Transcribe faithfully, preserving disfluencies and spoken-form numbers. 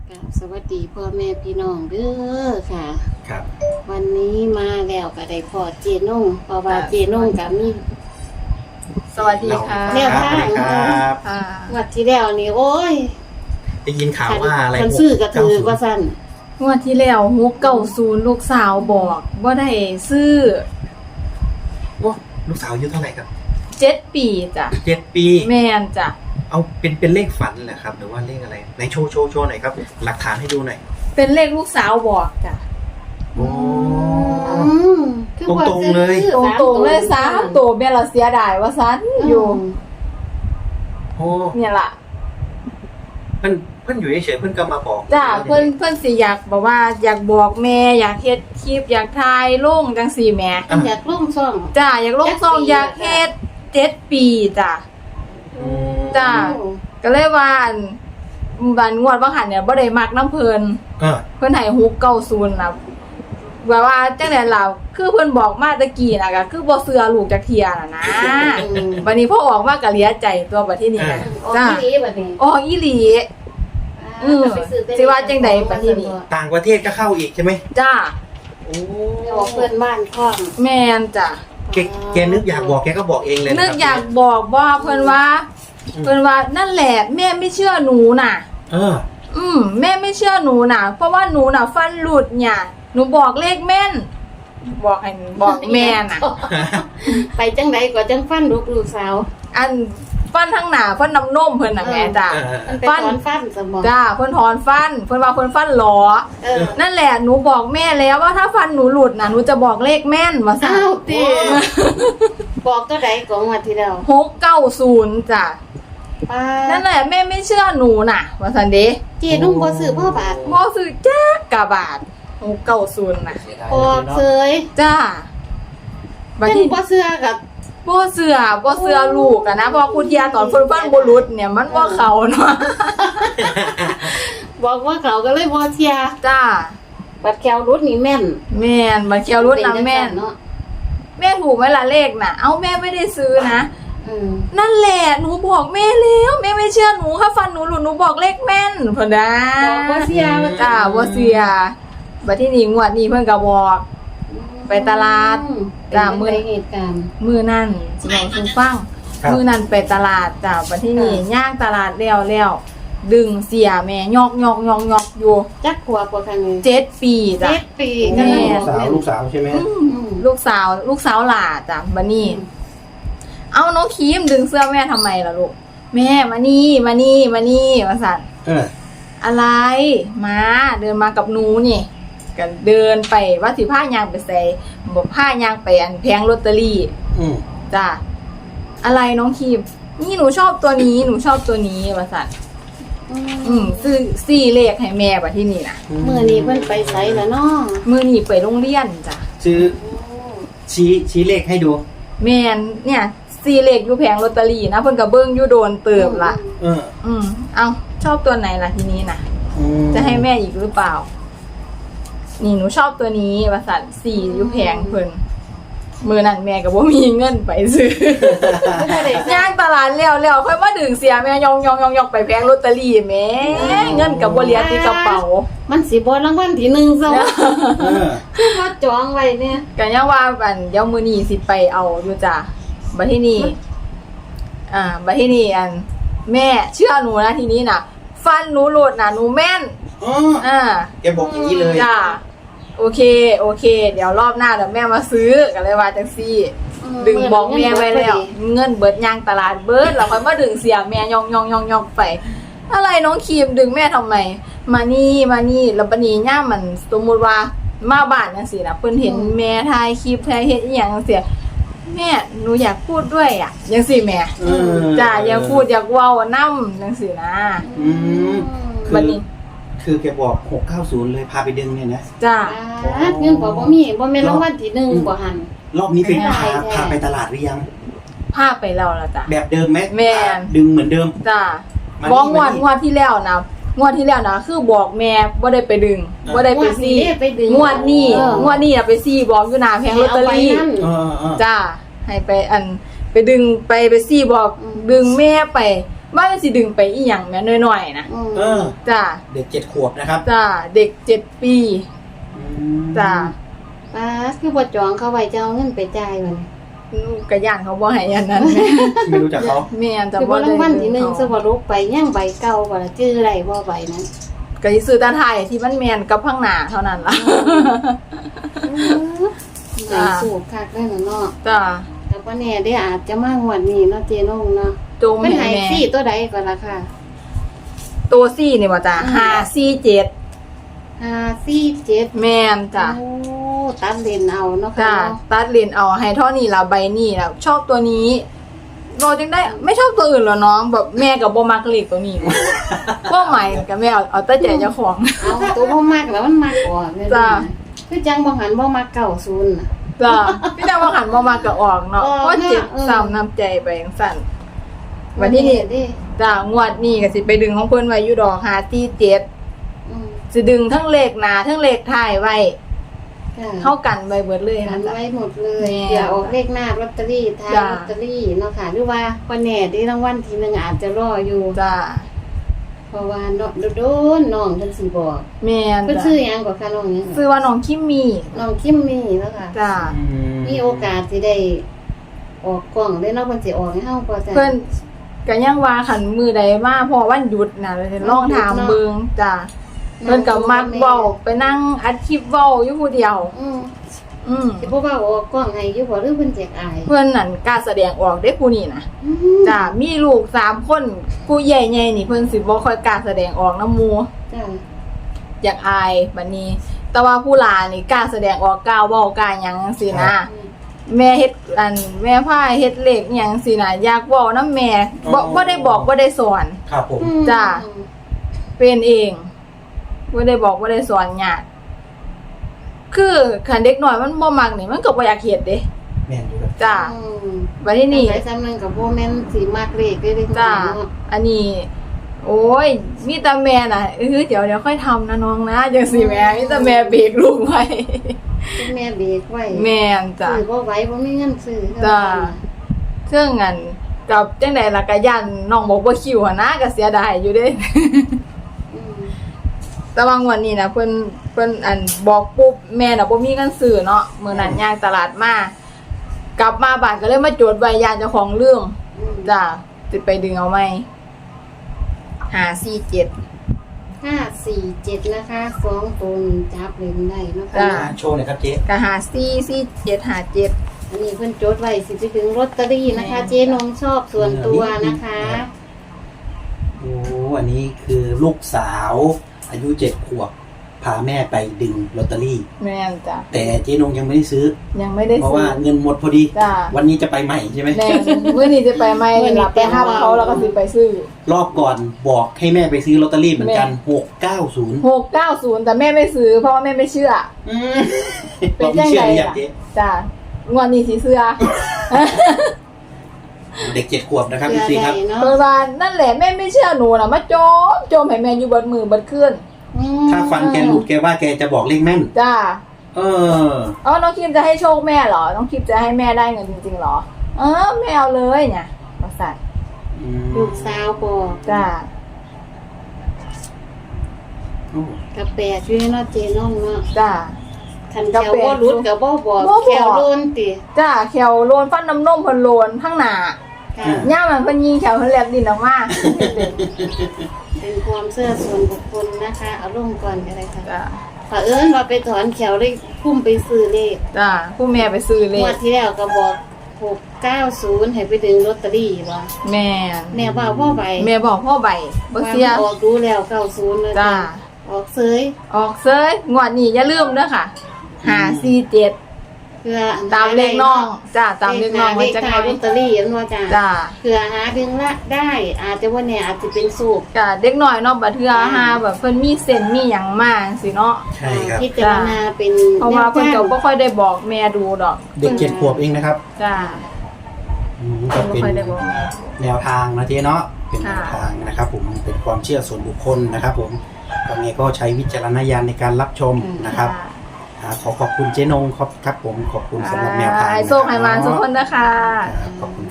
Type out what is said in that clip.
กับสวัสดีพ่อแม่พี่น้องเด้อค่ะครับวันนี้มาแล้วก็ได้พอเจนงเพราะว่าเจนงกับมีสวัสดีค่ะแนวทางครับค่ะวัดที่แล้วนี่โอ้ยได้ยินข่าวว่าอะไรคันซื้อกระถือว่าสั่นงวดที่แล้วฮุกเก่าศูนย์ลูกสาวบอกว่าได้ซื้อโอ้ลูกสาวอายุเท่าไหร่ครับเจ็ดปีจ้ะเจ็ดปีแม่นจ้ะเอาเป็นเป็นเลขฝันเหรอครับ หรือว่าเลขอะไรไหนโชว์โชว์โชว์หน่อยครับ หลักฐานให้ดูหน่อยเป็นเลขลูกสาวบอกจ้ะโอ้อืมคือว่าตรงๆเลยซื้อตรงสามตรงๆเลยสามตัวแม่เราเสียดายว่าซันอยู่โอ้เนี่ยล่ะเพื่อนเพื่อนอยู่เฉยๆเพื่อนก็มาบอกจ้ะเพิ่นเพิ่นสิอยากบอกว่าอยากบอกแม่อยากเฮ็ดคลิปอยากถ่ายลงจังซี่แหม่อันอยากลงซ่องจ้ะอยากลงซ่องอยากเฮ็ดเจ็ดปีจ้ะอืมจ้ะ ก็เลยว่าอันบันงวดว่าหันเนี่ยบ่ได้มักน้ำเพิ่นเออเพิ่นให้ฮุกเก้าศูนย์นะแบบว่าจังได๋ล่ะคือเพิ่นบอกมาตะกี้น่ะก็คือบ่เชื่อลูกจักเที่ยน่ะนะอืมบัดนี้พอออกมาก็เหลียใจตัวบัดที่นี่นะออกจ้าที่นี้บัดนี้อ๋ออีหลี อืมไปซื้อแต่สิว่าจังใดบัดนี้นี่ต่างประเทศก็เข้าอีกใช่ไหมจ้าโอ้เดี๋ยวเพื่อนบ้านคล้องแม่นจ้ะแกแกนึกอยากบอกแกก็บอกเองเลยะครับนึกอยากบอกบ่เพิ่นว่าเพิ่นว่านั่นแหละแม่ไม่เชื่อหนูน่ะเอออืมแม่ไม่เชื่อหนูน่ะ เพราะว่าหนูน่ะฟันหลุดเนี่ยหนูบอกเลขแม่น บอกให้บอกแม่น่ะไปจังใดก็จังฟันลูกลูกสาวอันฟันทั้งหน้าฟันน้ำนมเพิ่นน่ะแม่จ้ะเออมันไปถอนฟันสมองจ้าเพิ่นถอนฟันเพิ่นว่าเพิ่นฟันหลอเออนั่นแหละหนูบอกแม่แล้วว่าถ้าฟันหนูหลุดน่ะหนูจะบอกเลขแม่นว่าซั่นอ้าวติบอกตัวใดของวันที่แล้วหกเก้าศูนย์จ้ะป้านั่นแหละแม่ไม่เชื่อหนูน่ะว่าซั่นเด้เจนุ่งบ่ซื้อพ่อบาทบ่ซื้อจักกะบาทหกเก้าศูนย์น่ะออกเสยจ้าบัดเพิ่นนี้บ่เสื้อกับบ่เชื่อบ่เชื่อลูกอะนะเพราะคุณยาตอนเพิ่นฟันบ่หลุดเนี่ยมันบ่เข้าเนาะบอกว่าเขาก็เลยบ่เชียร์จ้าบัดแควรุดนี่แม่นแม่นบัดเขียวรุดน่ะแม่นเนาะแม่ถูกไหมล่ะเลขน่ะ เอ้าแม่ไม่ได้ซื้อนะอืมนั่นแหละหนูบอกแม่แล้วแม่ไม่เชื่อหนูถ้าฟันหนูหลุดหนูบอกเลขแม่นเพิ่นนะบอกบ่เชียร์ว่าจ้าบ่เสียบัดที่นี่งวดนี้เพิ่นก็บอก ไปตลาดจ้าจ้ามื้มื้ออเหตุการณ์มื้อนั้นสิเว้าสู่ฟังครับมื้อนั้นไปตลาดจ้าบัดที่นี่ค่ะย่างตลาดแล้วแล้วดึงเสียแม่ยอกยอกยอกยอกอยู่จักขวบกว่าครั้งนี้เจ็ดปีจ้ะเจ็ดปีแม่กำลังลูกสาวลูกสาวใช่ไหมอืมอืมลูกสาวลูกสาวหล่าจ้ะบัดนี้ เอาน้องครีมดึงเสื้อแม่ทำไมล่ะลูกแม่มานี่มานี่มานี่ว่าสันเอออะไรมาเดินมากับหนูนี่กันเดินไปว่าสิผ้ายางไปใส่บอกผ้ายางไปอันแพงลอตเตอรี่อืมจ้ะอะไรน้องครีมนี่หนูชอบตัวนี้หนูชอบตัวนี้ว่าสันอืมซื้อสี่เลขให้แม่บัดที่นี่นะมื้อนี้เพิ่นไปไสแล้วเนาะมือนี่ไปโรงเรียนจ้ะซื้อชี้ชี้เลขให้ดูแม่นเนี่ยสี่เลขอยู่แพงลอตเตอรี่นะเพิ่นก็เบิ่งอยู่โดนเติบละเอออืมเอาชอบตัวไหนล่ะทีนี้นะอืมจะให้แม่อีกหรือเปล่า นี่หนูชอบตัวนี้ประสันสี่อยุแพงเพิ่นมือนั่นแม่ก็บ่มีเงินไปซื้อย่างตลาดแล้วแล้วค่อยมาดึงเสียแม่ยองยองยองยองไปแพงลอตเตอรี่แม่เงินกับบ่เหลือที่กระเป๋ามันสิบ่รางวัลที่หนึ่งซะวะเออคือว่าจองไว้เนี่ยก็ยังว่าอันเดี๋ยวมื้อนี้สิไปเอาอยู่จ้ะบัดที่นี่อ่าบัดที่นี่อัน แม่เชื่อหนูนะทีนี้น่ะ ฟันหนูหลุดน่ะหนูแม่นอ๋ออ่าแกบอกอย่างนี้เลยจ้าโอเคโอเค เดี๋ยวรอบหน้าเดี๋ยวแม่มาซื้อกันเลยว่าจังซี่ ดึงบอกแม่ไว้แล้ว เงินเบิดยางตลาดเบิดเราค่อยมาดึงเสียแม่ยองยองยองยองไป อะไรน้องครีมดึงแม่ทำไม มานี่มานี่แล้วบัดนี้ย่ามันสมมุติว่ามาบ้านจังซี่นะเพิ่นเห็นแม่ถ่ายคลิปถ่ายเฮ็ดอีหยังจังซี่แม่หนูอยากพูดด้วยอ่ะจังซี่แม่เออจ้าอยากพูดอยากเว้านำจังซี่นะอืมคืบัดอนี้คือแกบอกหกเก้าศูนย์เลยพาไปดึงเนี่ยนะจ้าอ่าเงินบ่บ่มีบ่แม่นรางวัลที่หนึ่งบ่หันรอบนี้เป็นไม่พาได้แท้พาไปตลาดหรือยังพาไปแล้วล่ะจ้ะแบบเดิมไหมแม่นดึงเหมือนเดิมจ้ามานี่บอกงวดมานี่งวดที่แล้วนะงวดที่แล้วนะคือบอกแม่บ่ได้ไปดึงอ่าบ่ได้ไปซี่งวดนี้ไปดึงงวดนี้เอองวดนี้น่ะไปซี่บอกอยู่หน้าแผงลอตเตอรี่ให้าไปนั่นเออเออจ้าให้ไปอันไปดึงไปไปซี่บอกอืมดึงแม่ไปว่ามันสิดึงไปอีหยังแม่น้อยๆนะอืมเออจ้าเด็กเจ็ดขวบนะครับจ้าเด็กเจ็ดปีจ้าป้าคือบ่จองเขาไว้จะเอาเงินไปจ่ายมันกระย่านเขาบ่ให้อันนั้นไม่รู้จักเขาแม่นแต่คือบ่บ่ได้รางวัลที่หนึ่งสวรุปไปยังใบเก่าบ่ล่ะชื่ออะไรบ่ใบนั้นก็สิซื้อแตาไทยที่มันแม่นกับข้างหน้าเท่านั้นล่ะไหนสูบคักได้เนาะจ้าแต่ว่าแน่ได้อาจจะมางวดนี้เนาะเจนงเนาะโจมเป็นให้ไหนแม่ซี่ตัวใดก่อนล่ะค่ะตัวซี่นี่บ่จ้าห้าสี่เจ็ดห้าสี่เจ็ดแม่นจ้าโอ้ตัดเลนเอาเนาะค่ะจ้าเนาะตัดเลนเอาให้เท่านี้ล่ะใบนี้ล่ะชอบตัวนี้เราจึงได้ไม่ชอบตัวอื่นหรอน้องแบบแม่กับบ่มักเลขตัวนี้ ก็หมายกับแม่เอาเอาแต่ใจเจ้าของเอาตัวบ่มักแล้วมันมักออกเนี่ยจ้ะคือจังบ่หันบ่มักเก่าศูนย์น่ะจ้าพี่ดาวว่าหันบ่มากก็ออกเนาะออกเพราะเจ็บเออซ้ำน้ำใจไปจังซั่นวันที่นี่เด้จ้างวดนี้ก็สิไปดึงของเพิ่นไว้อยู่ดอกห้าสี่เจ็ดอืมสิดึงทั้งเลขหน้าทั้งเลขท้ายไว้ค่ะเข้ากันไว้เบิดเลยหันะนจ๊ะไว้หมดเลยแม่เดี๋ยวออกเลขหน้าลอตเตอรี่ท้ายจ้ะลอตเตอรี่เนาะค่ะหรือว่าวันแน่ได้รางวัลทีหนึงอาจจะรออยู่จ้าเพราะว่าเนาะโดนๆน้องเพิ่นสิบอกแม่นเพิ่นจ้ะชื่อหยังกว่าค่ะน้องหยังซื้อว่าน้องคิมมี่น้องคิมมี่เนาะค่ะจ้ามีโอกาสสิได้ออกกล้องได้เนาะเพิ่นสิออกให้เฮาพอจ้ะเพิ่นก็ยังว่าคันมือใดมาพอวันหยุดน่ะเลยลองถามเบิ่งจ้าเพิ่นก็มักเว้าไปนั่งอัดคลิปเว้าอยู่ผู้เดียวอืมอืมสิบ่ว่าออกกล้องให้อยู่บ่หรือเพิ่นแจกอายเพื่อนนั่นกล้าแสดงออกได้ผู้นี่นะอืมจ้ามีลูกสามคนผู้ใหญ่ใหญ่นี่เพิ่นสิบ่ค่อยกล้าแสดงออกน้ำหมูจ้ะอยากอายบัดนี้ แต่ว่าผู้หลานนี่กล้าแสดงออกกล้าเว้ากล้าหยังจังซี่นะอืมแม่เฮ็ดอันแม่พาเฮ็ดเลขอิหยังจังซี่นะอยากเว้านำแม่บ่บ่ได้บอกบ่ได้สอนครับผมจ้ะ เป็นเองบ่ได้บอกบ่ได้สอนยากคือคันเด็กน้อยมันบ่มักนี่มันก็บ่อยากเฮ็ดเด้แม่นอยู่ครับจ้าอืมบัดนี้นี่ไปซ้ำนึงกับบ่แม่นสิมักเลขได้เด้จ้าเนาะอันนี้ โอ้ย มีแต่แม่น่ะเออเดี๋ยวเดี๋ยวค่อยทำนะน้องนะจังสิแม่ มีแต่แม่เบรกลูกไว้แม่เบรกไว้แม่นจ้ะซื้อบ่ไหวบ่มีเงินซื้อจ้ะ เครื่องงานกับจังไดล่ะกะยันน้องบอกบ่คิวหั่นนะก็เสียดายอยู่เด้อืมแต่ว่างวันนี้นะเพิ่นเพิ่นอันบอกปุ๊บแม่น่ะบ่มีเงินซื้อเนาะมื้อนั้นย่างตลาดมากลับมาบ้านก็เลยมาโจทย์ไว้ย่านเจ้าของเรื่องอืมจ้ะสิไปดึงเอาไหมห้าสี่เจ็ดห้าสี่เจ็ดนะคะสองตัวจับเล่นได้เนาะจ้ะค่ะโชว์หน่อยครับเจ๊ก็หาสี่สี่เจ็ดหาเจ็ดอันนี้เพิ่นจดไว้สิไปถึงลอตเตอรี่นะคะแม่เจ๊นงชอบส่วนตัวนะคะโอ้อันนี้คือลูกสาวอายุเจ็ดขวบพาแม่ไปดึงลอตเตอรี่แม่นจ้ะแต่เจ๊นงยังไม่ได้ซื้อยังไม่ได้เพราะซื้ว่าอเงินหมดพอดีจ้ะวันนี้จะไปใหม่ใช่ไหมแม่มื้อนี้จะไปไหมหลับไปห้ามเขาแล้วก็สิไปซื้อรอบก่อนบอกให้แม่ไปซื้อลอตเตอรี่เหมือนกันหกเก้าศูนย์หกเก้าศูนย์แต่แม่ไม่ซื้อเพราะว่าแม่ไม่เชื่อ เป็เรานไม่จังเชื่อไงหรือยังล่ะเจ๊จ้ะงวดนี้สิเสื้อเด็กเจ็ดขวบนะครับพี่ซีครับเนาะเปิดว่านั่นแหละแม่ไม่เชื่อหนูนะมาโจมโจมให้แม่อยู่เบนมือเบนขึ้นอืมถ้าฟันแกหลุดแกว่าแกจะบอกเลขแม่นจ้าเอออ๋อน้องคิมจะให้โชคแม่เหรอน้องคิมจะให้แม่ได้เงินจริงๆเหรอเออแม่เอาเลยเนี่ยประสาทอืมลูกสาวบอกจ้าโอ้กระแปะช่วยเนาะเจ๊นงเนาะจ้าคันแถวบ่รุดก็บ่บอกบ่บอกแถวโลนติจ้าแขวโลนฟันน้ำนมเพิ่นโลนข้างหน้าค่ะย่ามันเพิ่นยิงแขวเพิ่นแลบดินออกมาเป็นความเชื่อส่วนบุคคลนะคะเอาลงก่อนก็ได้ค่ะจ้าเผอิญว่าไปถอนแขวเลยพุ่มไปซื้อเลขจ้าผู้แม่ไปซื้อเลงวขดที่แล้วก็บอกหกเก้าศูนย์ให้ไปดึงลอตเตอรี่ว่าแม่แม่ว่าพ่อใบแม่บอกพ่อใบบ่เสียว่ามันออกดูแล้วเก้าศูนย์เลยจ้าออกเซยออกเซยงวดนี้อย่าลืมเด้อค่ะห้าสี่เจ็ดเพื่อตามเลขน้องจ้าตามเลขน้องเลมันขจะท้ายลอตเตอรี่อันว่าจ้าจ้าเพื่อหาดึงละได้อาจจะว่าเนี่ยอาจจะเป็นสูบจ้าเด็กน้อยเนาะบัดเทื่อหาแบบเพิ่นมีเส้นมีหยังมาจังซี่เนาะใช่ครับพิจารณาเป็นเพราะว่าเพิ่นก็บ่ค่อยได้บอกแม่ดูดอกเด็กเจ็ดขวบเองนะครับจ้าอืมเพิ่ก็นบ่เป็นค่อยได้บอกแม่แนวทางนะเจ๊เนาะเป็นแนค่ะวทางนะครับ ผมเป็นความเชื่อส่วนบุคคลนะครับ ผมตรงนี้ก็ใช้วิจารณญาณในการรับชมนะครับอ่าขอขอบคุณเจ๊นงครับครับ ผมขอบคุณสำหรับแนวทางให้โชคให้มานทุกคนนะคะครับขอบคุณ